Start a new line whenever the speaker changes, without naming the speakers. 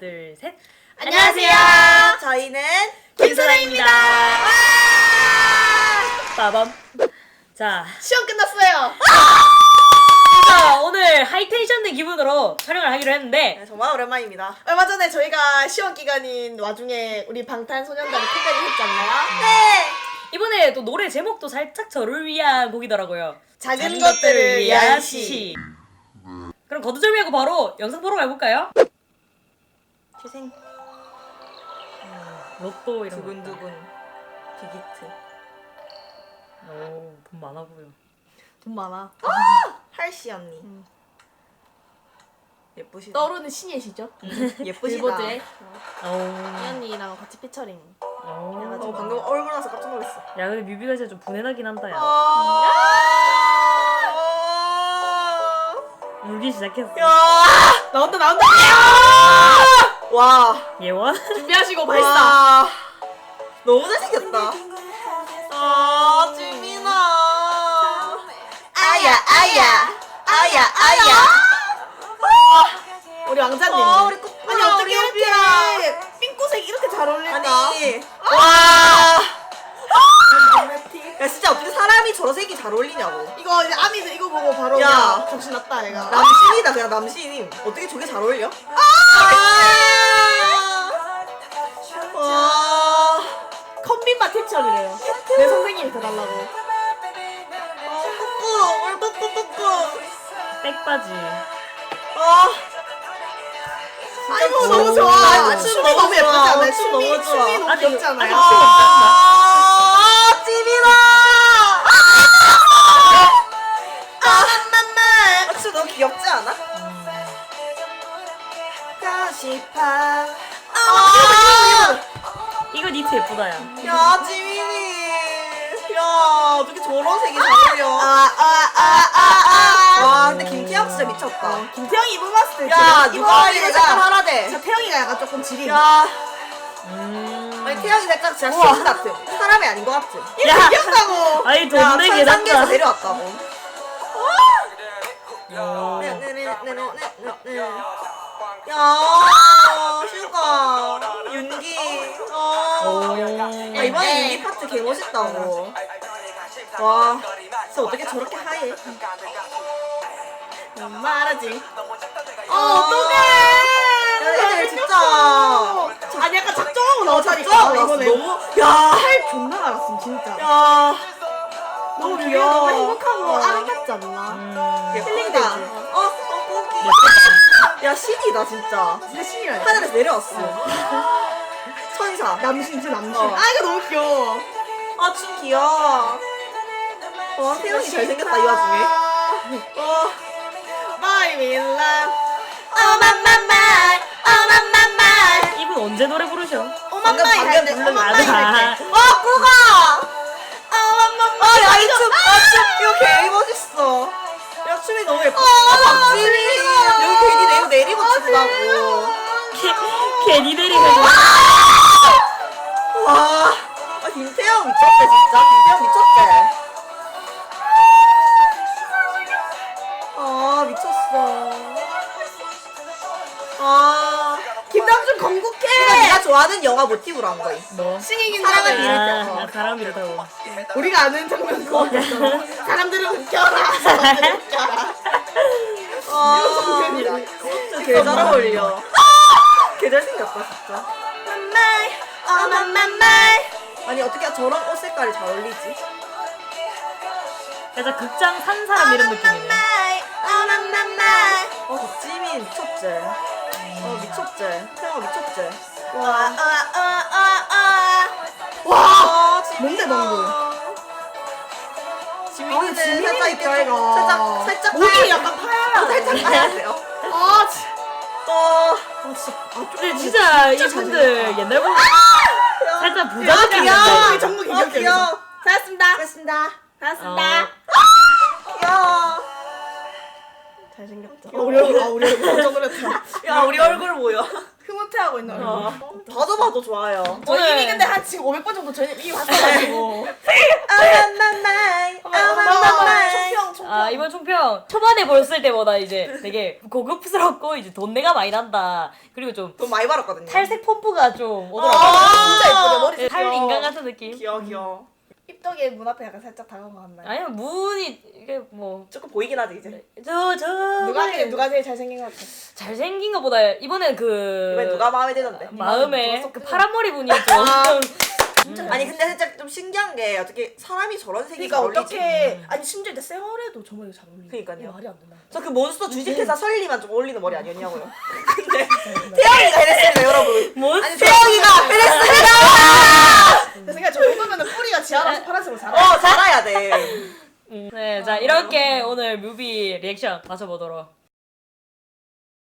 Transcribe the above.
둘, 셋.
안녕하세요. 저희는
김선아입니다. 빠밤. 자,
시험 끝났어요.
자, 오늘 하이텐션된 기분으로 촬영을 하기로 했는데
네, 정말 오랜만입니다. 얼마 전에 저희가 시험 기간인 와중에 우리 방탄소년단이 컴백을 했잖아요. 네.
이번에 또 노래 제목도 살짝 저를 위한 곡이더라고요.
작은 것들을 위한 시.
그럼 거두절미하고 바로 영상 보러 가볼까요?
희생
로또 이런 거.
두근두근 비기트.
오, 돈 많아 보여.
돈 많아. 할시 언니. 예쁘시다.
떠오르는 신예시죠?
예쁘시다.
빌보드에
오.
이 언니랑 같이 피처링.
오.
방금 얼굴 나서 깜짝 놀랐어.
야, 근데 뮤비가 진짜 좀 분해나긴 한다, 야. 울기 시작했어.
나온다.
와.
예원?
준비하시고 발사.
와. 너무 잘생겼다. 지민아. 아야.
우리 왕자님.
우리
아니 어떻게 이렇게 핑크색 이렇게 잘 어울릴까?
아니. 와. 야 진짜 어떻게 사람이 저런 색이 잘 어울리냐고.
이거 이제 아미들 이거 보고 바로
야.
야 정신 났다 얘가.
남신이다 그냥 남신임. 어떻게 저게 잘 어울려? 와.
컨빈바 티처리래요. 내 선생님이 더 달라고.
뿌뿌.
백바지.
아이고
진짜
너무 좋아.
아,
춤이 너무 예쁘지 않아요?
춤 너무 좋아.
춤이 너무
아직-
귀엽지 않아요?
찌민아. 춤 너무 귀엽지 않아? 가시파.
이거 니트 예쁘다, 야.
야 찌민이. 야 어떻게 저런 색이 잘 어울려? 와 근데 김태형 진짜 미쳤다.
김태형이 입어봤을 때
야
지금
누가 이런
이거
색깔 하라대.
진짜 태형이가 약간 조금 지린.
야
음.
아니 태형이 살짝 진짜 시인 같은 사람이 아닌 것 같은.
야!
귀엽다고.
아니,
야
돈 내게
천상계에서
낫다.
내려왔다고.
오.
야 슈가 윤기. 이번에 윤기 파트 개 멋있다고. 와 진짜 어떻게 저렇게 하얘?
말하지.
어떡해. 애들 진짜.
아니 약간 작정하고 나오자니까
작정하고
이번에.
너무 야.
살 존나 알았음 진짜.
야
너무
귀여워.
귀여워. 너무 행복하고 아름답지 않나?
예쁘다. 꼬기. 야 신이다 진짜.
진짜 신이야.
하늘에서 내려왔어. 천사.
남신 진짜 남신.
어.
아 이거 너무 귀여워.
춤 귀여워. 와 태연이 잘생겼다 이 와중에.
My will love.
이분 언제 노래 부르셔?
방금 부른
오마마이 할 때.
꾸가. 야 이 춤. 이거 개 멋있어. 야 춤이 너무 예뻐. 박지민. 여기 괜히 내리고 춘다고.
괜히 내리가지고.
와. 김태형 미쳤대 진짜. 김태형 미쳤대. 미쳤어.
김남준 건국해.
이거 네가 좋아하는 영화 모티브로 한 거임.
뭐?
싱잉인
사랑을
사랑을
비를
아, 사람 이렇다고.
우리가 아는 장면 그거 있잖아. 사람들은 웃겨라. 사람들은 웃겨라.
진짜 개 잘 어울려. 개 잘생겼다 진짜. 아니 어떻게 저런 옷 색깔이 잘 어울리지?
살짝 극장 산 사람 이런 느낌이네.
박지민 미쳤지. 미쳤지. 태영아 미쳤지.
와.
지민아.
뭔데, 방금?
지민이는
지민이
살짝 이렇게
있다, 이거.
살짝
목이 약간 파야.
살짝 파야 돼요.
아
근데 진짜 이분들 옛날 보면 살짝 부자
야,
느낌이
귀여워.
난다.
정국
귀여워.
귀엽게. 잘했습니다.
고맙습니다.
잘했습니다.
귀여워.
잘생겼다. 우리 얼굴 깜짝 놀랐다.
야 우리 얼굴 보여.
후퇴하고 있는 얼굴.
봐도 봐도 좋아요.
저
오늘-
이미 근데 한 지금 500번 정도 저희 이미 봤어가지고. 총평.
아 이번 총평 초반에 봤을 때보다 이제 되게 고급스럽고 이제 돈내가 많이 난다. 그리고 좀
돈 많이 벌었거든요.
탈색 펌프가 좀 오더라고요.
진짜 예쁘죠 머리.
탈 인간 같은 느낌.
귀여워.
입덕에 문 앞에 약간 살짝 다가온 거 같나요?
아니면 문이 이게 뭐
조금 보이긴 하지 이제.
누가 제일 잘생긴 것 같아?
잘생긴 것보다 이번엔 그
이번에 누가 마음에 드는데?
마음에
누가
그
섞여?
파란 머리 분이 좀
아니 근데 살짝 좀 신기한 게 어떻게 사람이 저런 색이
그러니까
잘 어울리지?
어떻게 아니 심지어 이제 쌩얼에도 저 머리가 잘 어울리네.
그러니까요.
이게 말이 안 된다.
저 그 몬스터 주식회사 설리만 좀 어울리는 머리 아니었냐고요. 근데 태영이가 해냈습니다 여러분.
뭐?
아니
태영이가 해냈습니다.
내 생각에 저 정도면은 뿌리가 지하라서 파란색으로 자라.
자라야 돼.
네, 자 이렇게 오늘 뮤비 리액션 마쳐보도록